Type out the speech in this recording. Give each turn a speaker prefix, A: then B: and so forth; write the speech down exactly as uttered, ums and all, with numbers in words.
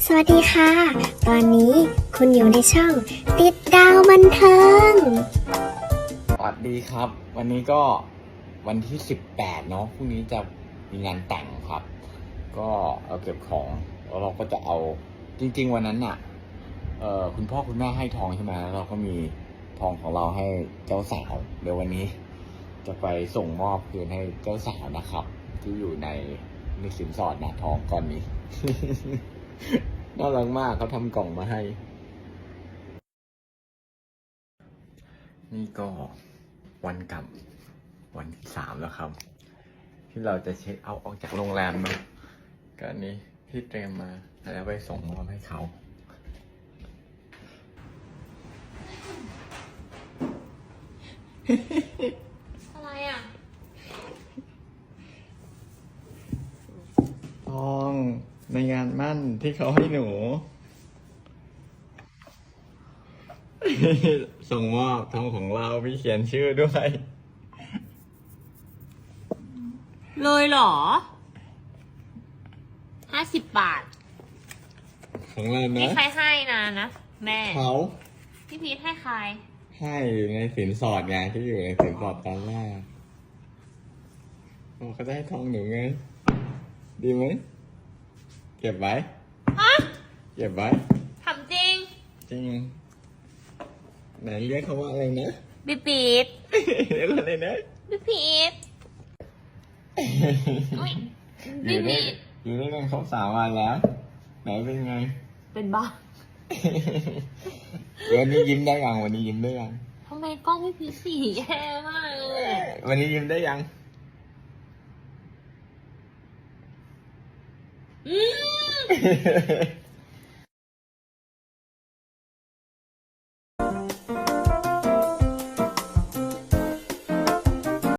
A: สวัสดีค่ะ ตอนนี้คุณอยู่ในช่องติดดาวบันเทิง
B: สวัสดีครับ วันนี้ก็วันที่สิบแปดเนาะพรุ่งนี้จะมีงานแต่งครับ ก็เอาเก็บของแล้วเราก็จะเอาจริงๆวันนั้นน่ะเอ่อคุณพ่อคุณแม่ให้ทองใช่ไหมแล้วเราก็มีทองของเราให้เจ้าสาวเดี๋ยววันนี้จะไปส่งมอบคืนให้เจ้าสาวนะครับ ที่อยู่ในในสินสอดนะทองก้อนนี้ น่ารักมากเขาทำกล่องมาให้ นี่ก็วันกลับวันที่สามแล้วครับ ที่เราจะเช็คเอาท์ออกจากโรงแรมเนาะก็อันนี้ที่เตรียมมาแล้วไปส่งมอบให้เขา
C: อะไรอ่ะ
B: ทองในงานมั่นที่เขาให้หนู ส่งมอบทองของเรามีเขียนชื่อด้วย
C: เลยเหรอ ห้าสิบบาท
B: ของเรา
C: นี่
B: นะ
C: ใครให้นะนะ แม่
B: เขา
C: พี่พีทให้ใคร
B: ให้อยู่ในสินสอดไงที่อยู่ในสินสอดตอนแรกเขาจะให้ทองหนูไง ดีไหมเก็บไว้
C: ฮะ
B: เก็บไว้
C: ทำจริง
B: จริงไหนเรียกเขาว่าอะไรนะ
C: พี่พีท
B: เรียกว่าอะไรนะ
C: พี่พีทอุ๊ย
B: อ
C: พี่
B: ยู่ได้
C: พีท
B: อยู่ได้กันครบสามวันแล้ว ไหนเป็นไง
C: เป็นบ้า
B: วันนี้ยิ้มได้ยังวันนี้ยิ้มได้ยัง
C: ทำไมกล้องพี่พีทสีแย่มากเลย
B: วันนี้ยิ้มได้ยัง
C: อืม